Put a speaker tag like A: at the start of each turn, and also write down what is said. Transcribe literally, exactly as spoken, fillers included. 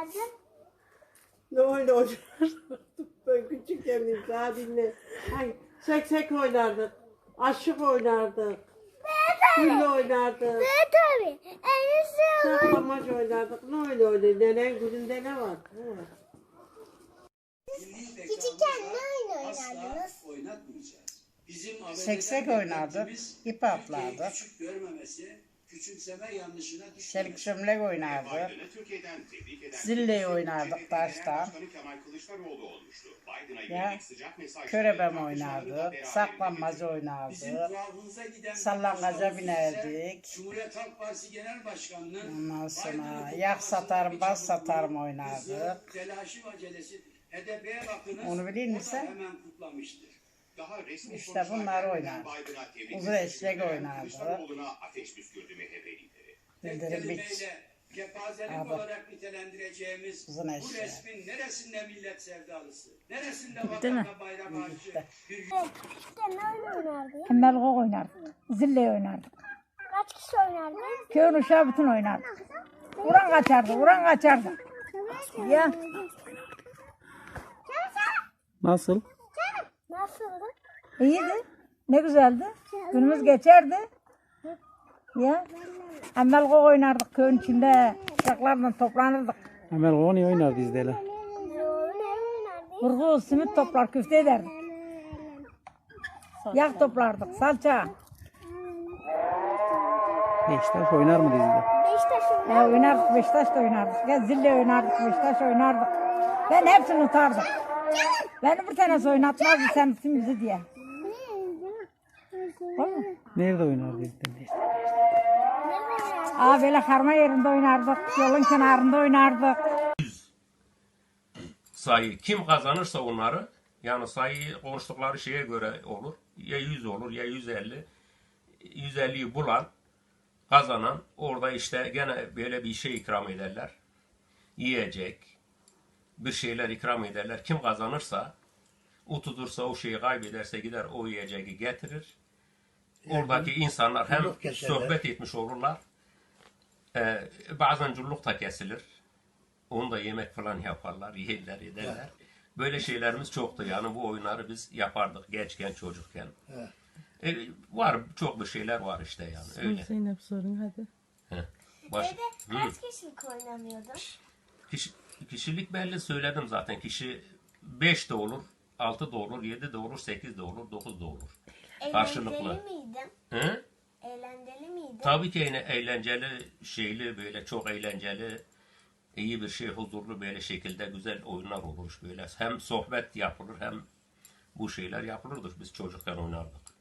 A: oynardın?
B: Ne oyun oynardık? Ben küçükken daha dinle. Ay, seksek oynardık. Aşık oynardık. Gülle oynardık.
A: Evet tabii. En iyisi
B: Saklamaç oynardık. Ne öyle öyle? Nenen gününde ne var? Ne var?
A: küçükken ne oyun oynardınız?
C: Oynatmayacağız. Bizim
D: Seksek oynardık, ip atlardık.
C: küçük görmemesi, küçümseme yanlışına düşmemesi.
D: Çelik çömlek oynardık. Zille oynardık taştan. Ya, körebem oynardık. Saklanmaca oynardık. Sallangaca binerdik.
C: Cumhuriyet Halk Partisi Genel Başkanı'nın
D: Ondan sonra yak satarım, baz satarım oynardık.
C: telaşı ve acelesi H D P'ye bakınız.
D: Onu bileyim mi
C: o da
D: sen?
C: hemen kutlamıştır.
E: Daha resmi
D: İşte bunlar oynar. Uzun eşek oynardı.
E: Kılıçdaroğlu'na ateş püskürdü M H P lideri.
C: Tek
D: Bildirim biç.
C: kelimeyle kepazelik
D: Abi.
C: olarak nitelendireceğimiz
D: Uzun
C: bu
D: eşek.
C: resmin neresinde millet sevdalısı, neresinde
F: Değil mi?
C: vatan ve bayrak aşığı bir
A: Küçükken ne oyun oynardın?
F: Emmelgok oynardık. Zille oynardık.
A: Kaç kişi oynardın?
F: Köyün uşağı bütün oynardık. Vuran kaçardı, vuran kaçardı. Ya
G: Nasıl?
A: Nasıldı?
F: iyiydi. Ne güzeldi. Günümüz geçerdi. Ya emmelgok oynardık köyün içinde. Uşaklarla toplanırdık.
G: Emel Goni oynardı izdeyle.
A: Ne oynardın?
F: Burgu, simit toplar, küfte ederdik. Yak toplardık, salça.
G: Beşiktaş oynar mı dizide?
A: Beşiktaş
F: Ya
A: oynardın.
F: oynardık, Beşiktaş da oynardık. Ya zille oynardık, Beşiktaş oynardık. Ben hepsini tutardım. Beni bir tanesi oynatmazdı sen tutun bizi diye. Olur mu?
G: Nerede oynardı izdeyle?
F: Aa böyle karma yerinde oynardık, yolun kenarında oynardık.
H: Sayı kim kazanırsa onları, yani sayı konuştukları şeye göre olur. Ya yüz olur ya yüz elli. yüz elliyi bulan, kazanan orada işte gene böyle bir şey ikram ederler. Yiyecek, bir şeyler ikram ederler. Kim kazanırsa, o tutursa o şeyi kaybederse gider o yiyeceği getirir. Oradaki insanlar hem sohbet etmiş olurlar. Ee, bazen culluk da kesilir. Onu da yemek falan yaparlar, yerler, ederler. Böyle şeylerimiz çoktu yani bu oyunları biz yapardık gençken, çocukken. Ee, var çok bir şeyler var işte yani öyle.
G: Zeynep sorun hadi.
H: Heh. Baş...
A: Evde kaç kişilik oynanıyordu?
H: Kişi, kişilik belli söyledim zaten. Kişi beş de olur, altı da olur, yedi de olur, sekiz de olur, dokuz da olur. Karşılıklı.
A: Eğlenceli miydin?
H: Hı?
A: Eğlenceli miydin?
H: Tabii ki yine eğlenceli, şeyli böyle çok eğlenceli, iyi bir şey, huzurlu böyle şekilde güzel oyunlar olur böyle. Hem sohbet yapılır hem bu şeyler yapılırdı. Biz çocukken oynardık.